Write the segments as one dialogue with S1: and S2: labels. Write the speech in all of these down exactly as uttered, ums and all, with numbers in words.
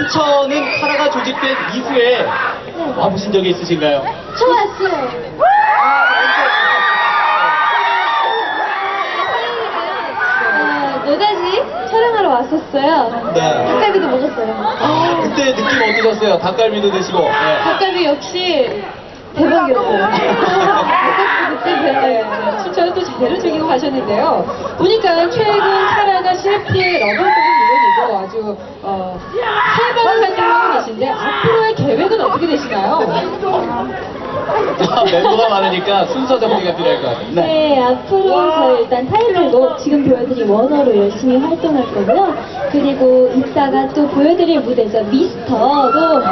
S1: 춘천은 카라가 조직된 이후에 와보신 적이 있으신가요?
S2: 저 왔어요. 아, 노다지 촬영하러 왔었어요.
S1: 네.
S2: 닭갈비도 먹었어요.
S1: 아, 그때 느낌 어떠셨어요? 닭갈비도 드시고. 네.
S2: 닭갈비 역시 대박이었어요. 그때 대박이었어요.
S3: 춘천은 또 제대로 즐기고 가셨는데요. 보니까 최근 카라가 씨에프티의 러블곡을 물론이고 아주 어, 활발한 활동을 하고 계신데 앞으로의 계획은 어떻게 되시나요?
S1: 아, 멤버가 많으니까 순서 정리가 필요할 것 같아요. 네.
S2: 네, 앞으로 저희 일단 타이틀곡 지금 보여드린 원어로 열심히 활동할 거고요. 그리고 이따가 또 보여드릴 무대죠. 미스터도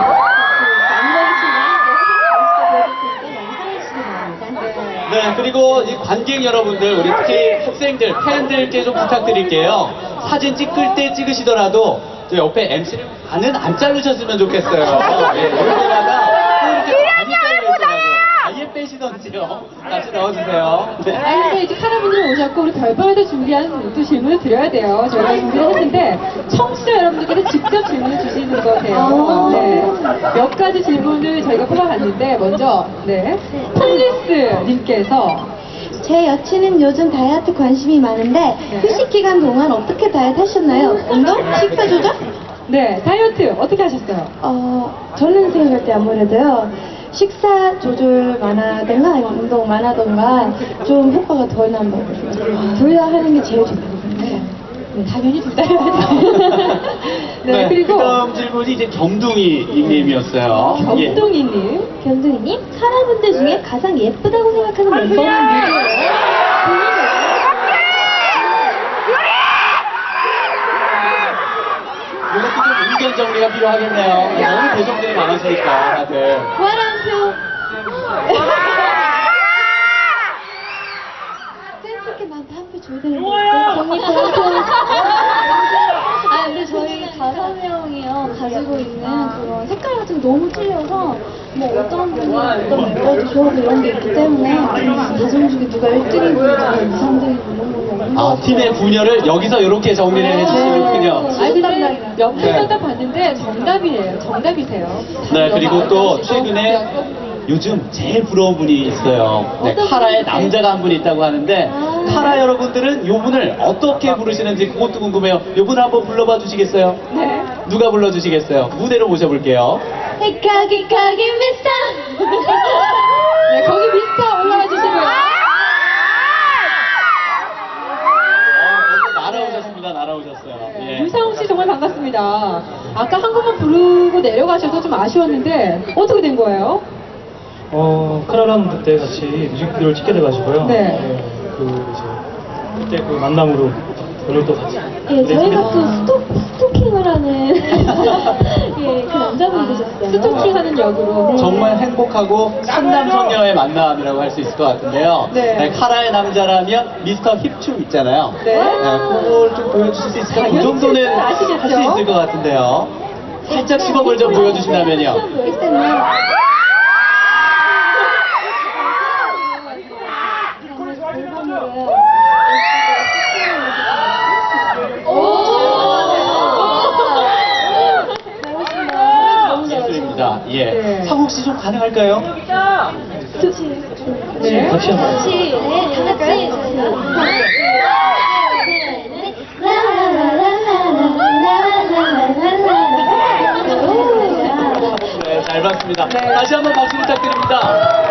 S1: 네, 그리고 이 관객 여러분들, 우리 특히 학생들, 팬들께 좀 부탁드릴게요. 사진 찍을 때 찍으시더라도 저 옆에 엠씨를 반은 안 자르셨으면 좋겠어요. 예, 여기다가 또 이렇게 많이 자르더라고요. 아예 빼시던지요. 다시 넣어주세요. 네.
S3: 아니, 근데 이제 카라분들 오셨고 우리 별밤에서 준비한 또 질문을 드려야 돼요. 저희가 준비를 했는데 청취자 여러분들께서 직접 질문을 주시는 거세요. 네. 몇 가지 질문을 저희가 뽑아봤는데 먼저 네, 폴리스님께서
S2: 제 여친은 요즘 다이어트 관심이 많은데 휴식 기간 동안 어떻게 다이어트 하셨나요? 운동? 식사 조절?
S3: 네, 다이어트 어떻게 하셨어요?
S2: 어, 저는 생각할 때 아무래도요. 식사 조절 많아든가 아니면 운동 많아든가 좀 효과가 덜 난다고 둘 다 하는 게 제일 좋다고 생각해요.
S3: 네, 당연히 둘 다 해야 돼요. 네,
S1: 네,
S3: 그리고
S1: 다음 질문이 이제 겸둥이 닉네임이었어요. 예.
S3: 겸동이님.
S2: 견둥이님, 카라분들 중에 가장 예쁘다고 생각하는 멤버는 누구예요?
S1: 이것도 좀 의견 정리가 필요하겠네요. 너무 배정들이 많으시니까 다들.
S2: 부활한 표. 센스 있게 나한테 한 표 줘야 되는 거 있어? 언니 부활한 아 근데 저희 다섯 명이요 가지고 있는 그런 색깔 같은 게 너무 틀려서 뭐 어떤 분이 어떤 멤버도 좋아하고 이런 게 있기 때문에 다섯 중에 누가 일 등이고 누가 이, 삼 등이고 이런 거 없는 것
S1: 아,
S2: 같아요.
S1: 팀의 분열을 여기서 이렇게 정리를 해주시는군요.
S3: 아니 근데 몇
S1: 네.
S3: 분 딱 봤는데 정답이에요. 정답이세요.
S1: 네, 그리고 또
S3: 아까우시고.
S1: 최근에 요즘 제일 부러운 분이 있어요. 네,
S2: 어떤
S1: 카라의
S2: 분이세요?
S1: 남자가 한 분이 있다고 하는데
S2: 아.
S1: 카라 여러분들은 요 분을 어떻게 부르시는지 그것도 궁금해요. 요 분 한번 불러봐 주시겠어요?
S3: 네.
S1: 누가 불러주시겠어요? 무대로 모셔볼게요.
S2: 거기 거기 미스터.
S3: 네, 거기 미스터 올라와 주시고요.
S1: 어, 벌써 날아오셨습니다. 날아오셨어요. 예.
S3: 유상욱 씨 정말 반갑습니다. 아까 한 곡만 부르고 내려가셔서 좀 아쉬웠는데 어떻게 된 거예요?
S4: 어, 카라랑 그때 같이 뮤직비디오를 찍게 돼가지고요.
S3: 네.
S4: 그 이제 그때 그 만남으로 오늘 또 같이.
S2: 예, 저희가
S4: 네,
S2: 또 스토, 스토킹을 하는 예, 그 남자분이 되셨어요.
S3: 스토킹하는 역으로.
S1: 정말 행복하고 선남선녀의 만남이라고 할 수 있을 것 같은데요.
S3: 네.
S1: 네, 카라의 남자라면 미스터 힙춤 있잖아요.
S3: 네.
S1: 그걸 좀 보여주실 수 있을까요? 그
S3: 당연히
S1: 정도는 할
S3: 아시겠죠?
S1: 수 있을 것 같은데요. 살짝 시범을 좀 보여주신다면요.
S2: 일단은
S1: 예술입니다. 예.
S3: 네.
S1: 상욱 씨 좀 가능할까요?
S3: 네.
S4: 같이 한번.
S2: 같이, 네, 다 같이.
S1: 네, 잘 봤습니다.
S3: 네.
S1: 다시 한번 박수 부탁드립니다.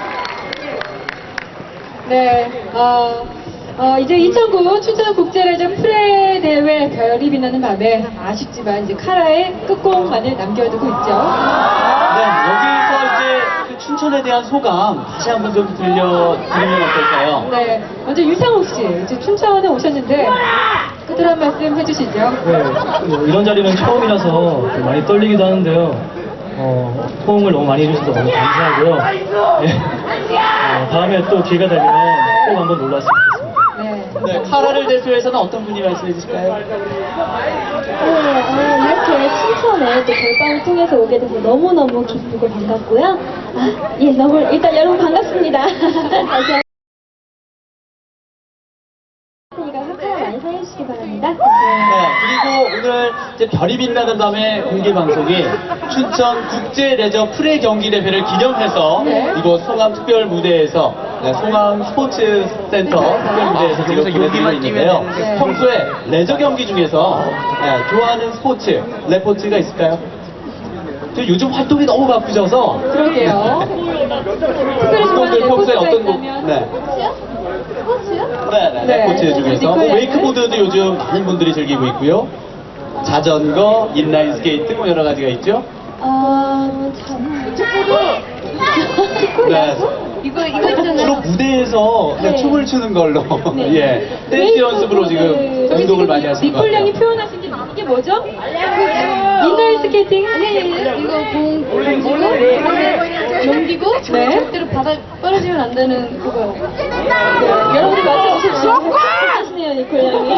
S3: 네, 어, 어, 이제 이천구 춘천국제레저 프레 대회 별이 빛나는 밤에 아쉽지만 이제 카라의 끝곡만을 남겨두고 있죠.
S1: 네, 여기서 이제 그 춘천에 대한 소감 다시 한번 좀 들려드리면 어떨까요?
S3: 네, 먼저 유상욱 씨, 이제 춘천에 오셨는데 끝으로 한 말씀 해주시죠.
S4: 네, 뭐 이런 자리는 처음이라서 많이 떨리기도 하는데요. 어, 호응을 너무 많이 해주셔서 너무 감사하고요. 네. 어, 다음에 또 기회가 되면 꼭 한번 놀랐으면 좋겠습니다.
S3: 네.
S1: 네, 카라를 대표해서는 어떤 분이 말씀해 주실까요?
S2: 네, 어, 이렇게 춘천에 또 별밤을 통해서 오게 돼서 너무너무 기쁘고 반갑고요. 아, 예, 너무, 일단 여러분 반갑습니다. 다시 한 그러니까 카라 많이 사랑해 해주시기 바랍니다.
S1: 네, 그리고 오늘 이제 별이 빛나는 밤의 공개 방송이 춘천 국제 레저 프레 경기 대회를 기념해서
S3: 네.
S1: 이곳 송암 특별 무대에서 네, 송암 스포츠 센터 특별 무대에서 지금 보내드리고 있는데요.
S3: 되는데.
S1: 평소에 레저 경기 중에서 네, 좋아하는 스포츠, 레포츠가 있을까요? 저 요즘 활동이 너무 바쁘셔서
S3: 그러게요. 특별히 좋아하는
S1: 분들 평소에
S3: 레포츠가
S1: 어떤 곡?
S3: 있다면?
S1: 네.
S2: 스포츠요?
S1: 네, 네,
S3: 네.
S1: 레포츠 중에서 뭐
S3: 니콜
S1: 웨이크보드도 요즘 많은 분들이 즐기고 있고요. 자전거, 인라인 스케이트 뭐 여러 가지가 있죠.
S2: 아, 참. 축구도.
S1: 네.
S2: 이거, 이거
S1: 주로
S2: 있잖아요.
S1: 무대에서 그냥
S2: 네.
S1: 춤을 추는 걸로
S2: 네.
S1: 예 댄스 연습으로 지금
S3: 저기
S1: 운동을
S3: 지금
S1: 많이 하시는 것
S3: 니콜 양이
S1: 같아요.
S3: 표현하신 게 이게 뭐죠? 인라인 스케이팅?
S2: 아니, 아니, 아니, 이거 공 던지고, 넘기고,
S3: 네.
S2: 절대로 바닥 떨어지면 안 되는 그거요.
S3: 여러분들 맞춰주십시오.
S2: 하시네요, 니콜 양이.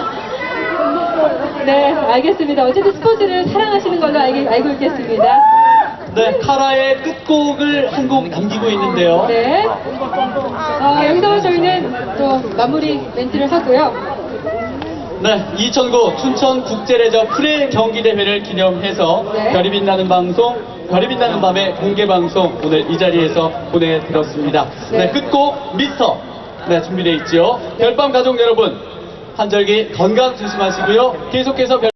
S3: 네, 알겠습니다. 어쨌든 스포츠를 사랑하시는 걸로 알, 알고 있겠습니다.
S1: 네, 카라의 끝곡을 한 곡 남기고 있는데요.
S3: 네. 아, 여기서 저희는 또 마무리 멘트를 하고요.
S1: 네, 이천구 춘천 국제레저 프레 경기 대회를 기념해서
S3: 네.
S1: 별이 빛나는 방송, 별이 빛나는 밤의 공개 방송 오늘 이 자리에서 보내드렸습니다. 네,
S3: 네.
S1: 끝곡 미스터 네 준비되어 있죠. 별밤 가족 여러분 한절기 건강 조심하시고요. 계속해서 별